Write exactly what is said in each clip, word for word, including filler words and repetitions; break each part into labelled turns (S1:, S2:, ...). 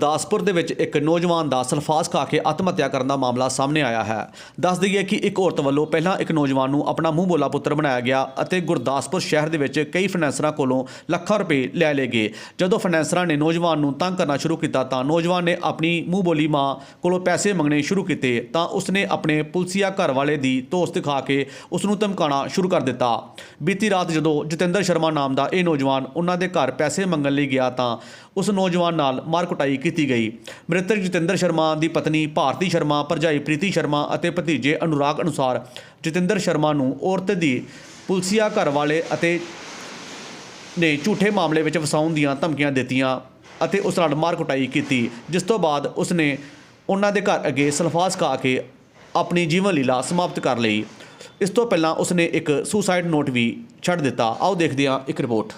S1: ਗੁਰਦਾਸਪੁਰ ਦੇ ਵਿੱਚ ਇੱਕ ਨੌਜਵਾਨ ਦਾ ਸਲਫਾਸ ਖਾ ਕੇ ਆਤਮ ਹੱਤਿਆ ਕਰਨ ਦਾ ਮਾਮਲਾ ਸਾਹਮਣੇ ਆਇਆ ਹੈ। ਦੱਸ ਦਈਏ ਕਿ ਇੱਕ ਔਰਤ ਵੱਲੋਂ ਪਹਿਲਾਂ ਇੱਕ ਨੌਜਵਾਨ ਨੂੰ ਆਪਣਾ ਮੂੰਹ ਬੋਲਾ ਪੁੱਤਰ ਬਣਾਇਆ ਗਿਆ ਅਤੇ ਗੁਰਦਾਸਪੁਰ ਸ਼ਹਿਰ ਦੇ ਵਿੱਚ ਕਈ ਫਾਈਨੈਂਸਰਾਂ ਕੋਲੋਂ ਲੱਖਾਂ ਰੁਪਏ ਲੈ ਲਏ ਗਏ। ਜਦੋਂ ਫਾਈਨੈਂਸਰਾਂ ਨੇ ਨੌਜਵਾਨ ਨੂੰ ਤੰਗ ਕਰਨਾ ਸ਼ੁਰੂ ਕੀਤਾ ਤਾਂ ਨੌਜਵਾਨ ਨੇ ਆਪਣੀ ਮੂੰਹ ਬੋਲੀ ਮਾਂ ਕੋਲੋਂ ਪੈਸੇ ਮੰਗਣੇ ਸ਼ੁਰੂ ਕੀਤੇ ਤਾਂ ਉਸਨੇ ਆਪਣੇ ਪੁਲਸੀਆ ਘਰ ਵਾਲੇ ਦੀ ਧੌਂਸ ਦਿਖਾ ਕੇ ਉਸ ਨੂੰ ਧਮਕਾਉਣਾ ਸ਼ੁਰੂ ਕਰ ਦਿੱਤਾ। ਬੀਤੀ ਰਾਤ ਜਦੋਂ ਜਤਿੰਦਰ ਸ਼ਰਮਾ ਨਾਮ ਦਾ ਇਹ ਨੌਜਵਾਨ ਉਹਨਾਂ ਦੇ ਘਰ ਪੈਸੇ ਮੰਗਣ ਲਈ ਗਿਆ ਤਾਂ ਉਸ ਨੌਜਵਾਨ ਨਾਲ ਮਾਰ ਕੁਟਾਈ ਕੀਤੀ ਗਈ। ਮ੍ਰਿਤਕ ਜਤਿੰਦਰ ਸ਼ਰਮਾ ਦੀ ਪਤਨੀ ਭਾਰਤੀ ਸ਼ਰਮਾ, ਭਰਜਾਈ ਪ੍ਰੀਤੀ ਸ਼ਰਮਾ ਅਤੇ ਭਤੀਜੇ ਅਨੁਰਾਗ ਅਨੁਸਾਰ ਜਤਿੰਦਰ ਸ਼ਰਮਾ ਨੂੰ ਔਰਤ ਦੀ ਪੁਲਸੀਆ ਘਰ ਵਾਲੇ ਅਤੇ ਨੇ ਝੂਠੇ ਮਾਮਲੇ ਵਿੱਚ ਫਸਾਉਣ ਦੀਆਂ ਧਮਕੀਆਂ ਦਿੱਤੀਆਂ ਅਤੇ ਉਸ ਨਾਲ ਮਾਰ ਕੁਟਾਈ ਕੀਤੀ, ਜਿਸ ਤੋਂ ਬਾਅਦ ਉਸਨੇ ਉਹਨਾਂ ਦੇ ਘਰ ਅੱਗੇ ਸਲਫਾਸ ਖਾ ਕੇ ਆਪਣੀ ਜੀਵਨ ਲੀਲਾ ਸਮਾਪਤ ਕਰ ਲਈ। ਇਸ ਤੋਂ ਪਹਿਲਾਂ ਉਸਨੇ ਇੱਕ ਸੁਸਾਈਡ ਨੋਟ ਵੀ ਛੱਡ ਦਿੱਤਾ। ਆਓ ਦੇਖਦੇ ਹਾਂ ਇੱਕ ਰਿਪੋਰਟ।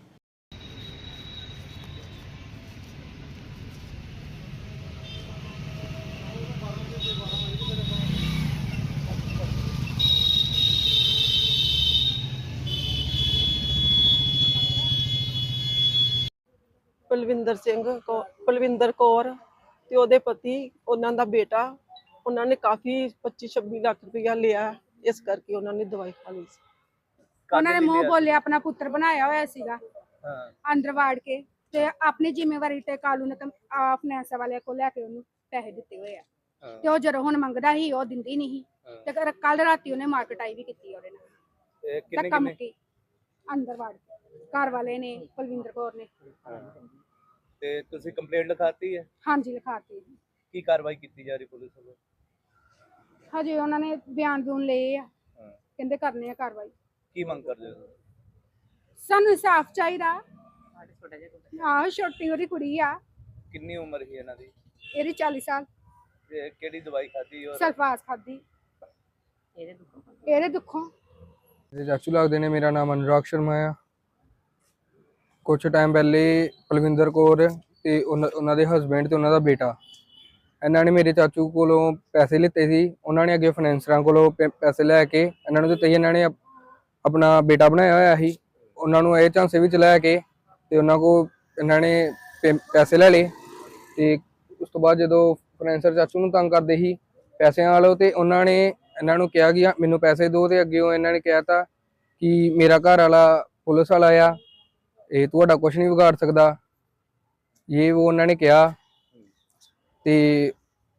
S2: ਪਲਵਿੰਦਰ ਸਿੰਘ ਕੌ ਪਲਵਿੰਦਰ ਕੌਰ ਤੇ ਉਹਦੇ ਪਤੀ, ਉਹਨਾਂ ਦਾ ਬੇਟਾ, ਉਹਨਾਂ ਨੇ ਕਾਫੀ ਪੱਚੀ ਛੱਬੀ ਲੱਖ ਰੁਪਇਆ ਲਿਆ, ਇਸ ਕਰਕੇ ਉਹਨਾਂ ਨੇ ਦਵਾਈ ਖਾ ਲਈ ਸੀ।
S3: ਉਹਨਾਂ ਨੇ ਮੂੰਹ ਬੋਲੇ ਆਪਣਾ ਪੁੱਤਰ ਬਣਾਇਆ ਹੋਇਆ ਸੀਗਾ ਅੰਦਰ ਵਾੜ ਕੇ, ਤੇ ਆਪਣੀ ਜ਼ਿੰਮੇਵਾਰੀ ਤੇ ਕਾਲੂ ਨੇ ਫਾਈਨੈਂਸ ਵਾਲਿਆਂ ਕੋਲ ਲੈ ਕੇ ਉਹਨੂੰ ਪੈਸੇ ਦਿੱਤੇ ਹੋਏ ਆ, ਤੇ ਉਹ ਜਦੋਂ ਹੁਣ ਮੰਗਦਾ ਸੀ ਉਹ ਦਿੰਦੀ ਨਹੀਂ ਤੇ ਕੱਲ ਰਾਤੀ ਉਹਨੇ ਮਾਰਕਟਾਈ ਵੀ ਕੀਤੀ ਉਹਦੇ ਨਾਲ। ਧੱਕਾ ਮੁੱਕੀ ਅੰਦਰ ਵਾੜ ਕੇ ਘਰ ਵਾਲੇ ਨੇ, ਪਲਵਿੰਦਰ ਕੌਰ ਨੇ।
S4: ਤੇ ਤੁਸੀਂ ਕੰਪਲੇਂਟ ਲਿਖਾਤੀ ਹੈ?
S3: ਹਾਂਜੀ ਲਿਖਾਤੀ।
S4: ਕੀ ਕਾਰਵਾਈ ਕੀਤੀ ਜਾ ਰਹੀ ਪੁਲਿਸ ਵੱਲੋਂ?
S3: ਹਜੇ ਉਹਨਾਂ ਨੇ ਬਿਆਨ ਬੂਨ ਲਏ ਆ, ਕਹਿੰਦੇ ਕਰਨੇ ਆ ਕਾਰਵਾਈ।
S4: ਕੀ ਮੰਗ ਕਰਦੇ ਹੋ?
S3: ਸਾਨੂੰ ਇਨਸਾਫ ਚਾਹੀਦਾ। ਆਹ ਛੋਟੀ ਉਹਦੀ ਕੁੜੀ ਆ।
S4: ਕਿੰਨੀ ਉਮਰ ਸੀ ਇਹਨਾਂ ਦੀ?
S3: ਇਹਦੀ ਚਾਲੀ ਸਾਲ।
S4: ਤੇ ਕਿਹੜੀ ਦਵਾਈ ਖਾਧੀ? ਔਰ
S3: ਸਲਫਾਸ ਖਾਧੀ ਇਹਦੇ ਦੁੱਖੋਂ ਇਹਦੇ ਦੁੱਖੋਂ
S5: ਜੀ ਚਾਚੂ ਲੱਗਦੇ ਨੇ। ਮੇਰਾ ਨਾਮ ਅਨੁਰਾਗ ਸ਼ਰਮਾ ਆ। ਕੁਛ ਟਾਈਮ ਪਹਿਲੇ ਪਲਵਿੰਦਰ ਕੌਰ ਤੇ ਉਹਨਾਂ ਦੇ ਹਸਬੈਂਡ ਤੇ ਉਹਨਾਂ ਦਾ ਬੇਟਾ, ਇਹਨਾਂ ਨੇ ਮੇਰੇ ਚਾਚੂ ਕੋਲੋਂ ਪੈਸੇ ਲਿੱਤੇ ਸੀ। ਉਹਨਾਂ ਨੇ ਅੱਗੇ ਫਾਈਨੈਂਸਰਾਂ ਕੋਲੋਂ ਪੈਸੇ ਲੈ ਕੇ ਇਹਨਾਂ ਨੂੰ ਦਿੱਤੇ ਸੀ। ਇਹਨਾਂ ਨੇ ਆਪਣਾ ਬੇਟਾ ਬਣਾਇਆ ਹੋਇਆ ਸੀ, ਉਹਨਾਂ ਨੂੰ ਇਹ ਝਾਂਸੇ ਵਿੱਚ ਲੈ ਕੇ ਤੇ ਉਹਨਾਂ ਕੋਲ ਇਹਨਾਂ ਨੇ ਪੈਸੇ ਲੈ ਲਏ। ਤੇ ਉਸ ਤੋਂ ਬਾਅਦ ਜਦੋਂ ਫਾਈਨੈਂਸਰ ਚਾਚੂ ਨੂੰ ਤੰਗ ਕਰਦੇ ਸੀ ਪੈਸਿਆਂ ਵਾਲੋ, ਤੇ ਉਹਨਾਂ ਨੇ ਇਹਨਾਂ ਨੂੰ ਕਿਹਾ ਕਿ ਮੈਨੂੰ ਪੈਸੇ ਦਿਓ, ਤੇ ਅੱਗੇ ਇਹਨਾਂ ਨੇ ਕਿਹਾ ਤਾ ਕਿ ਮੇਰਾ ਘਰ ਵਾਲਾ ਪੁਲਿਸ ਵਾਲਾ ਆ, ਇਹ ਤੁਹਾਡਾ ਕੁਛ ਨਹੀਂ ਵਿਗਾੜ ਸਕਦਾ, ਇਹ ਉਹ ਉਹਨਾਂ ਨੇ ਕਿਹਾ। ਤੇ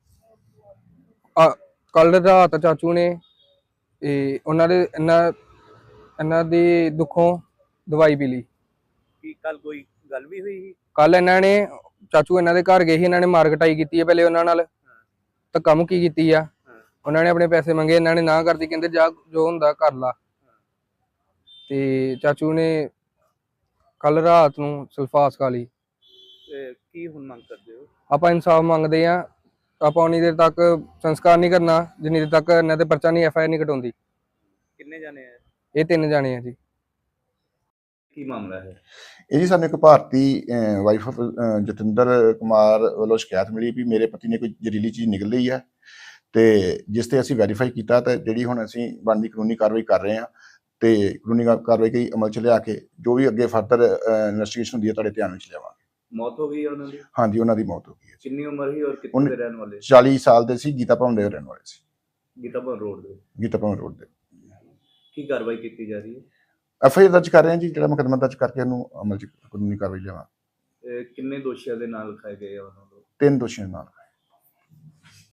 S5: ਕੱਲ ਰਾਤ ਚਾਚੂ ਨੇ ਇਹ ਉਹਨਾਂ ਦੇ ਇਹਨਾਂ ਇਹਨਾਂ ਦੀ ਦੁੱਖੋਂ ਦਵਾਈ ਪੀ ਲਈ।
S4: ਕੀ ਕੱਲ ਕੋਈ ਗੱਲ ਵੀ ਹੋਈ ਸੀ?
S5: ਕੱਲ ਇਹਨਾਂ ਨੇ ਚਾਚੂ ਇਹਨਾਂ ਦੇ ਘਰ ਗਏ ਸੀ, ਇਹਨਾਂ ਨੇ ਮਾਰਕਟਾਈ ਕੀਤੀ ਹੈ ਪਹਿਲੇ ਉਹਨਾਂ ਨਾਲ, ਧੱਕਾ ਮੁੱਕੀ ਕੀਤੀ ਆ। ਉਹਨਾਂ ਨੇ ਆਪਣੇ ਪੈਸੇ ਮੰਗੇ, ਇਹਨਾਂ ਨੇ ਨਾ ਕਰਦੀ, ਕਹਿੰਦੇ ਜਾ ਜੋ ਹੁੰਦਾ ਕਰ ਲਾ। ਤੇ ਚਾਚੂ ਨੇ ਕੱਲ ਰਾਤ ਨੂੰ ਸਲਫਾਸ ਖਾ ਲਈ।
S4: ਕੀ ਹੁਣ ਮੰਗ ਕਰਦੇ ਹੋ?
S5: ਆਪਾਂ ਇਨਸਾਫ ਮੰਗਦੇ ਆ। ਆਪਾਂ ਉਨੀ ਦੇਰ ਤੱਕ ਸੰਸਕਾਰ ਨਹੀਂ ਕਰਨਾ ਜਿੰਨੀ ਦੇਰ ਤੱਕ ਇਹਨਾਂ ਤੇ ਪਰਚਾ ਨਹੀਂ, ਐਫ ਆਈ ਆਰ ਨਹੀਂ ਕਟਾਉਂਦੀ।
S4: ਕਿੰਨੇ ਜਾਣੇ ਆ?
S5: ਇਹ ਤਿੰਨ ਜਾਣੇ ਆ ਜੀ।
S4: ਕੀ ਮਾਮਲਾ ਹੈ
S6: ਇਹ ਜੀ? ਸਾਨੂੰ ਇੱਕ ਭਾਰਤੀ ਵਾਈਫ ਆਫ ਜਤਿੰਦਰ ਕੁਮਾਰ ਵੱਲੋਂ ਸ਼ਿਕਾਇਤ ਮਿਲੀ ਵੀ ਮੇਰੇ ਪਤੀ ਨੇ ਕੋਈ ਜ਼ਹਿਰੀਲੀ ਚੀਜ਼ ਨਿਕਲ ਲਈ ਹੈ, ਤੇ ਜਿਸ ਤੇ ਅਸੀਂ ਵੈਰੀਫਾਈ ਕੀਤਾ ਤੇ ਜਿਹੜੀ ਹੁਣ ਅਸੀਂ ਬਣਦੀ ਕਾਨੂੰਨੀ ਕਾਰਵਾਈ ਕਰ ਰਹੇ ਹਾਂ, ਤੇ ਕਾਨੂੰਨੀ ਕਾਰਵਾਈ ਕਈ ਅਮਲ ਚ ਲਿਆ ਕੇ ਜੋ ਵੀ ਅੱਗੇ ਫਰਦਰ ਇਨਵੈਸਟੀਗੇਸ਼ਨ ਹੁੰਦੀ ਹੈ ਤੁਹਾਡੇ ਧਿਆਨ ਵਿੱਚ ਲਿਆਵਾਂਗੇ।
S4: ਮੌਤ ਹੋ ਗਈ ਉਹਨਾਂ ਦੀ?
S6: ਹਾਂਜੀ, ਉਹਨਾਂ ਦੀ ਮੌਤ ਹੋ ਗਈ ਹੈ।
S4: ਕਿੰਨੀ ਉਮਰ ਸੀ ਔਰ ਕਿੱਥੇ ਦੇ ਰਹਿਣ ਵਾਲੇ?
S6: ਚਾਲੀ ਸਾਲ ਦੇ ਸੀ, ਗੀਤਾ ਭਵਨ ਦੇ ਰਹਿਣ ਵਾਲੇ ਸੀ।
S4: ਗੀਤਾ ਭਵਨ ਰੋਡ ਦੇ?
S6: ਗੀਤਾ ਭਵਨ ਰੋਡ ਦੇ।
S4: ਕੀ ਕਾਰਵਾਈ ਕੀਤੀ ਜਾ ਰਹੀ ਹੈ?
S6: ਐਫ ਆਈ ਆਰ ਦਰਜ ਕਰ ਰਹੇ ਹਾਂ ਜੀ, ਜਿਹੜਾ ਮੁਕੱਦਮਾ ਦਰਜ ਕਰਕੇ ਉਹਨੂੰ ਅਮਲ ਚ ਕਾਨੂੰਨੀ ਕਾਰਵਾਈ ਲਿਆਵਾਂ।
S4: ਕਿੰਨੇ ਦੋਸ਼ੀਆਂ ਦੇ ਨਾਲ ਲਿਖਾਏ ਗਏ ਆ ਉਹਨਾਂ ਨੂੰ?
S6: ਤਿੰਨ ਦੋਸ਼ੀਆਂ ਨਾਲ।